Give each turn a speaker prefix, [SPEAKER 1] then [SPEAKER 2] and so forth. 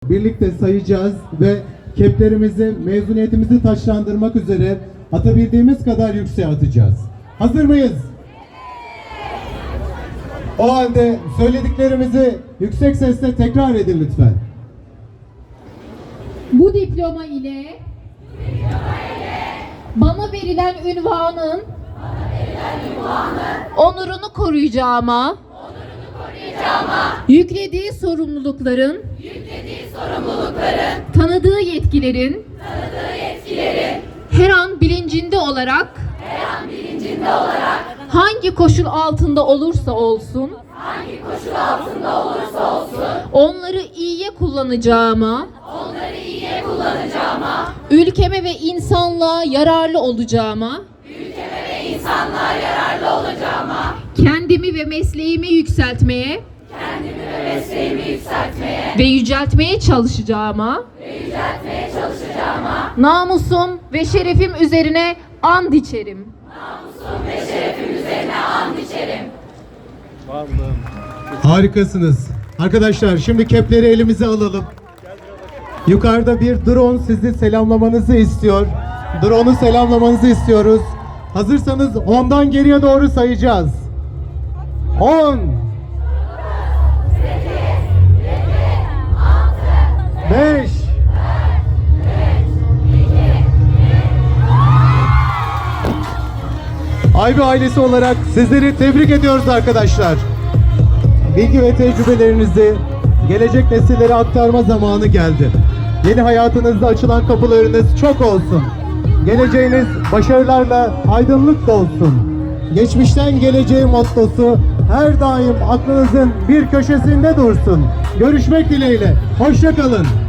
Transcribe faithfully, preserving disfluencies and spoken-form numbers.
[SPEAKER 1] birlikte sayacağız ve keplerimizi, mezuniyetimizi taçlandırmak üzere atabildiğimiz kadar yükseğe atacağız. Hazır mıyız? O halde söylediklerimizi yüksek sesle tekrar edin lütfen.
[SPEAKER 2] Bu diploma ile, bana verilen ünvanın, onurunu koruyacağıma, yüklediği sorumlulukların, tanıdığı yetkilerin, her an bilincinde olarak, hangi koşul altında olursa olsun, onları iyiye kullanacağıma, ülkeme ve insanlığa yararlı olacağıma, kendimi ve mesleğimi yükseltmeye, ve yüceltmeye çalışacağıma, namusum ve şerefim üzerine and içerim.
[SPEAKER 1] Harikasınız. Arkadaşlar şimdi kepleri elimize alalım. Yukarıda bir drone sizi selamlamanızı istiyor. Drone'u selamlamanızı istiyoruz. Hazırsanız ondan geriye doğru sayacağız. on beş Aybi ailesi olarak sizleri tebrik ediyoruz arkadaşlar. Bilgi ve tecrübelerinizi gelecek nesillere aktarma zamanı geldi. Yeni hayatınızda açılan kapılarınız çok olsun. Geleceğiniz başarılarla aydınlık dolsun. Geçmişten geleceğe mottosu her daim aklınızın bir köşesinde dursun. Görüşmek dileğiyle. Hoşça kalın.